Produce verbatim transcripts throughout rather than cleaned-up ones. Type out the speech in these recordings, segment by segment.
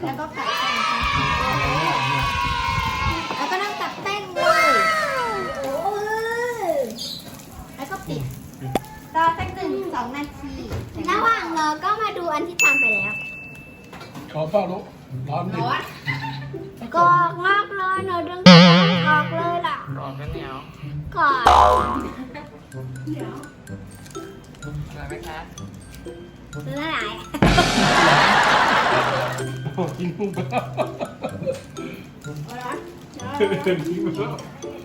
แล้วก็ไก่ใส่ค่ะแล้วก็นั่งตักแป้งเลยแล้วก็ปิดรอสักหนึ่งสองนาทีระหว่างรอก็มาดูอันที่ทำไปแล้วขอเฝ้าลูกร้อนดิกรอกมากเลยเนอะดึงออกเลยล่ะกรอบกันเหนียวกรอกอร่อยไหมคะเนื้อไหนโอ้กินกุ้งไปแล้วกินไปแล้ว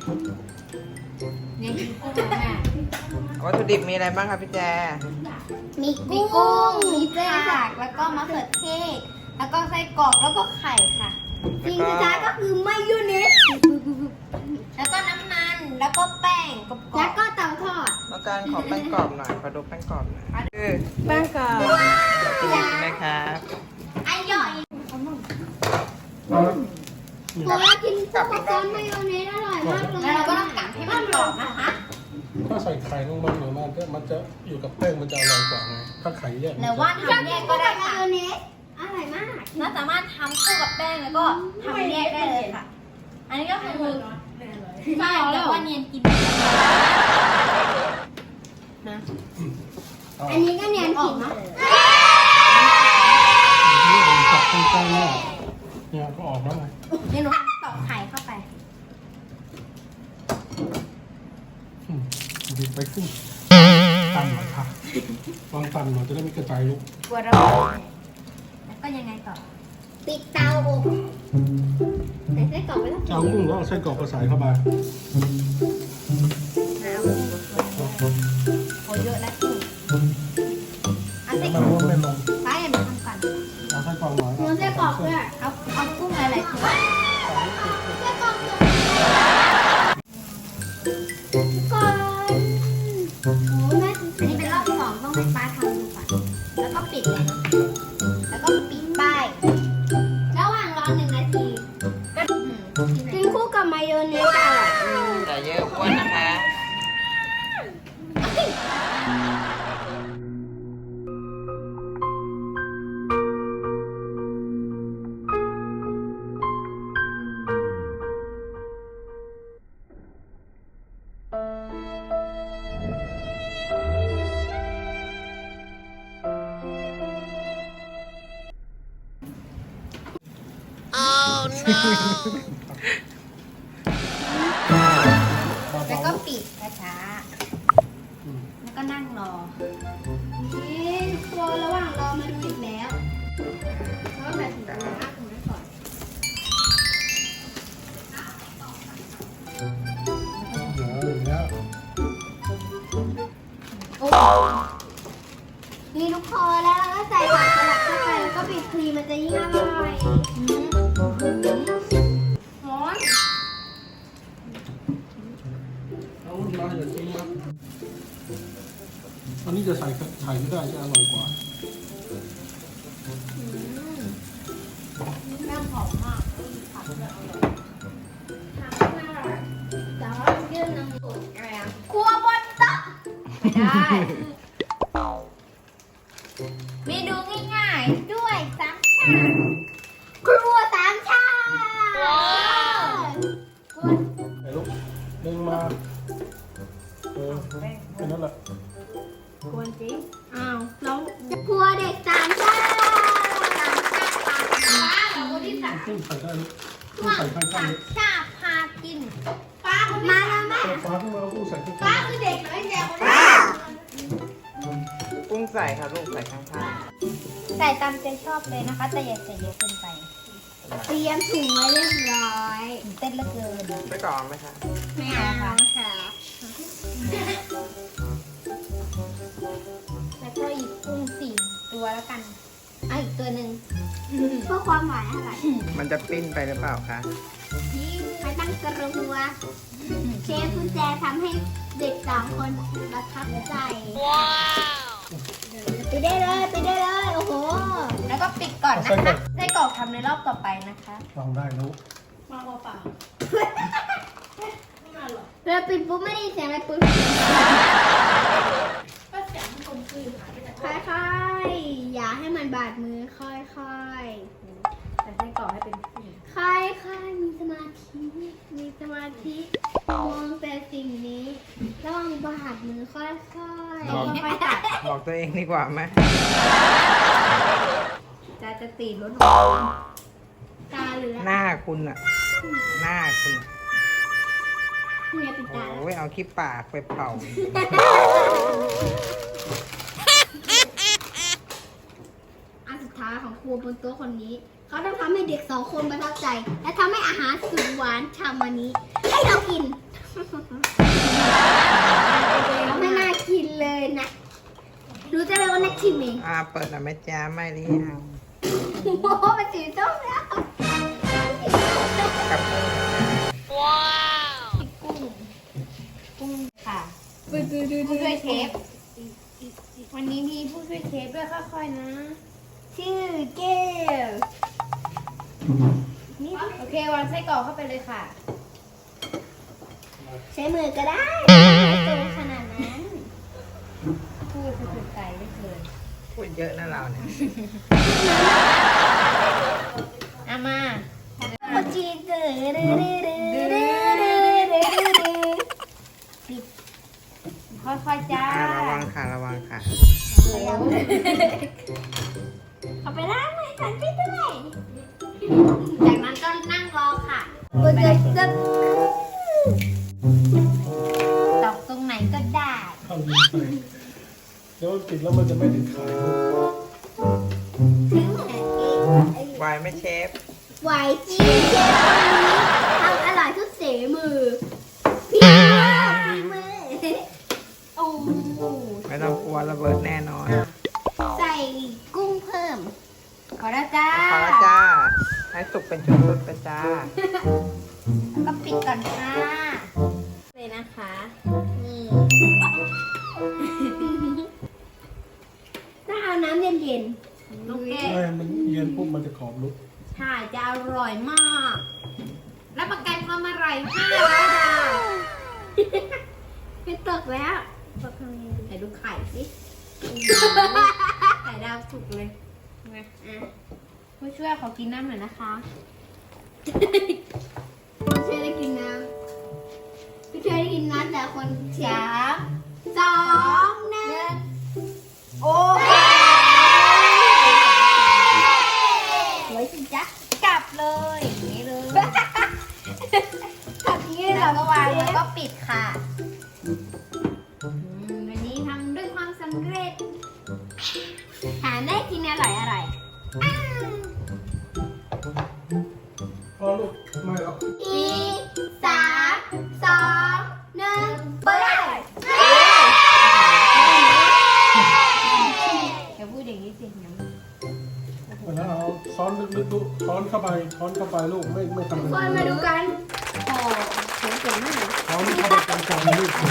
เนี่ยกินกุ้งแม่วัตถุดิบมีอะไรบ้างคะพี่แจมีกุ้งมีเส้นผักแล้วก็มะเขือเทศแล้วก็ไส้กรอกแล้วก็ไข่ค่ะสิ่งสุดท้ายก็คือมายองเนสแล้วก็น้ำมันแล้วก็แป้งกรอบแล้วก็เตาทอดแล้วการขอแป้งกรอบหน่อยขอดูแป้งกรอบหน่อยคือแป้งกรอบวัตถุดิบนะครับอร่อยผมว่ากินซุปกับซอสมายองเนสอร่อยมากเลยแล้วเราก็ต้องกัดให้มันกรอบนะคะถ้าใส่ไข่ลงไปหน่อยมันจะมันจะอยู่กับแป้งมันจะอร่อยกว่าไงถ้าไข่แยกหรือว่าทำแยกก็ได้ค่ะมายองเนสอร่อยมากน่าสามารถทำคู่กับแป้งแล้วก็ทำแยกได้เลยค่ะ อันนี้ก็คือใช่แต่ว่าเนียนกินนะอันนี้ก็เนียนกินนะตัดใกล้ๆเนี่ยเนี่ยก็ออกแล้วไงเดี๋ยวหนูตอกไข่เข้าไปดิบไปขึ้นตันหน่อยค่ะลองตันหน่อยจะได้ไม่กระจายลูกกลัวระเบิดแล้วก็ยังไงต่อ ปิดเตาอบใส่ไส้กรอกไปแล้วจะเอากุ้งแล้วเอาไส้กรอกมาใส่เข้ามาน้ำโอ้เยอะแล้วกุ้งเอาไส้กรมัอน กไม่ลงป้าอย่ามาทำก่อนเอาไส้กรอกหน่อยเอาไส้กรอกด้วยเอาเอากุ้งอะไรๆตัวไส้กรอกก่อนโอ้แม่อันนี้เป็นรอบสองต้องให้ป้าทำดูก่อนแล้วก็ปิดเลยแล้วก็ปิดป้ายระหว่างรอหนึ่งนาทีก็กินคู่กับมายองเนสอร่อยแต่เยอะอ้วนนะคะแล้วก็ปิดช้าๆแล้วก็นั่งรอนี่ครัวระหว่างรอมาดูอีกแล้วเพราะว่าแบบถึงจะมากถึงนั้นก่อนเดี๋ยวอย่างเงี้ยโอ้นี่ทุกคนแล้วเราก็ใส่ผักสลัดเข้าไปแล้วก็บีบครีมมันจะยิ่งอร่อยร้อนเอามาอย่าทิ้งนะอันนี้จะใส่ไข่ไม่ได้จะอร่อยกว่าแม่หอมมากผักเลยอร่อยทำไม่อร่อยแต่ว่ายื่นน้ำสุดอะไรอ่ะครัวบนโต๊ะไม่ได้ เมนูง่ายๆด้วยสามชาครัวสามชาไอ้ลูกดึงมาเออแค่นั้นแหละกวนจริงอ้าวแล้วครัวเด็กสามชาสามชาปลาเราคนที่สามกุ้งใส่ได้ลูกกุ้ช่งวงใส่ข้าสาง มๆลูกชาพากินป้ามาแล้วแม่เปิดฟ้าขึ้นมาแล้วกุ้งใส่ข้างป้าๆคือเด็กน้อยแจ๋วกุ้งใส่ค่ะลูกใส่ข้างใส่ตามใจชอบเลยนะคะ แต่อย่าใส่เยอะเกินไป เตรียมถุงไว้เรียบร้อยเต้นเหลือเกินๆไปกรอบไหมคะไม่เอาค่ะค่ะแล้วก็หยิบกุ้งสี่ตัวแล้วกันเอาอีกตัวหนึ่งเพื่อความหวานอร่อยมันจะปิ้นไปหรือเปล่าคะไม่ตั้งกระหัวเชฟกุญแจทำให้เด็กสามคนประทับใจว้าวไปได้เลยไปได้เลยโอ้โหแล้วก็ปิดก่อนนะคะไส้กรอกทำในรอบต่อไปนะคะลองได้ลูกมาเปล่าเราปิดปุ๊บไม่ได้ยินเสียงอะไรปุ๊บก็เสียงมันกลมกลืนค่อยๆอย่าให้มันบาดมือค่อยๆธิมองแต่สิ่งนี้ระวังบาดมือค่อยๆค่อยๆตัดบอกตัวเองดีกว่าไหมจะจะตีรถตาเหลือหน้าคุณอะหน้าคุณอะเนี่ยปิดตาโอ้ยเอาขี้ปากไปเป่าอันสุดท้ายของครูบนโต๊ะคนนี้ เขาต้องทำให้เด็กสองคนประทับใจ และทำให้อาหารสุดหวานชามวันนี้ ให้เรากิน ไม่น่ากินเลยนะรู้จะเลยว่านักชิมเองอ่าเปิดหน่อยไหมจ้าไม่หรือยังโอ้โหมันสีส้มแล้วกับกุ้ง กุ้งค่ะ ผู้ช่วยเชฟ วันนี้มีผู้ช่วยเชฟด้วยค่อยๆนะชื่อเก้วนี่โอเควางไส้กรอกเข้าไปเลยค่ะใช้มือก็ได้ตัวขนาดนั้นพูดคือไก่ไม่เกินพูดเยอะนะเราเนี่ยอามาโอจีเดือดดือดือดือดือดือค่อยๆจ้าอ่าระวังค่ะระวังค่ะเอาไปล้างมือกันพี่ด้วยจากนั้นก็นั่งรอค่ะกดจะจะตอกตรงไหนก็ได้เข้าดินใส่เดี๋ยวมันปิดแล้วมันจะไม่ติดไข่ลูกถึงไหนไหวไหมเชฟไหวจีเชฟคนนี้ทำอร่อยทุกเสมือพี่มือโอ้ไม่ต้องกลัวระเบิดแน่นอนใส่กุ้งเพิ่มขอแล้วจ้าพอแล้วจ้า ให้สุกเป็นชุดๆไปจ้าแล้วก็ปิดก่อนค่ะเลยนะคะนี่ถ้าเอาน้ำเย็นลูกเกดไม่มันเย็นปุ๊บมันจะกรอบลุกใช่จะอร่อยมาก รับประกันความอร่อยห้าร้อยดาวๆไม่ตกแล้วตกทำยังไงดีไหนดูไข่สิ ไข่ดาวสุกเลยไงอ่ะผู้ช่วยขอกินน้ำหน่อยนะคะพี่ช่วยได้กินน้ำพี่ช่วยได้กินน้ำแต่คนเชียสามสองหนึ่งโอ้สวยสิจ๊ะกลับเลยอย่างนี้เลยแบบนี้แล้เราวก็ก็วาวาง งแล้แล้ว วก็ก็ปิดค่ะอืมวันนี้ทำด้วยความสำเร็จหาได้กินอร่อยอร่อยพอลูกไม่หรอกอีสามสองหนึ่งเปิดอย่าพูดอย่างนี้สิเดี๋ยววันนั้นเอาช้อนลึกๆลูกช้อนเข้าไปช้อนเข้าไปลูกไม่ไม่ทำคนมาดูกันโอ้เขียนเก่งมากช้อนเข้าไปกลางๆลูก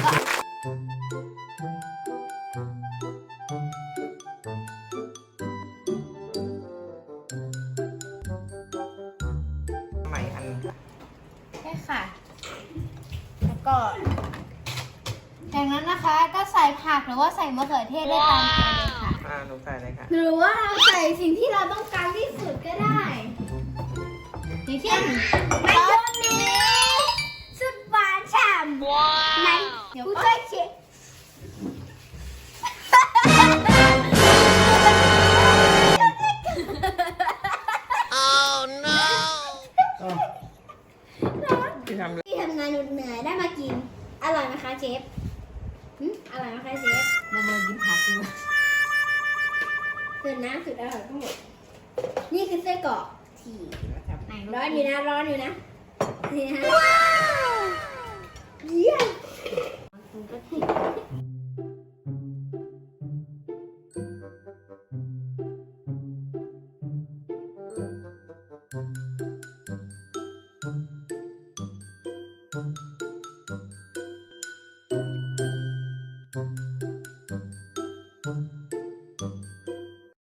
ใหม่อันค่ะใช่ค่ะ แล้วก็จากนั้นนะคะก็ใส่ผักหรือว่าใส่มะเขือเทศได้ตามใจเลยค่ะอ่าหนูใส่เลยค่ะหรือว่าเราใส่สิ่งที่เราต้องการที่สุดก็ได้อย่างเช่นในช่วงนี้สุดหวานฉ่ำในผู้ช่วยเชฟอ้าวที่ทำเลยที่ทำงานเหนื่อยๆได้มากิน อร่อยไหมคะเชฟหึอร่อยไหมคะเชฟเรามากินผักดูสุดน้ำสุดอร่อยทั้งหมด นี่คือไส้กรอกที่ไหนร้อนอยู่นะร้อนอยู่นะนี่ฮะว้าวเยี่ยมคุณก็ติด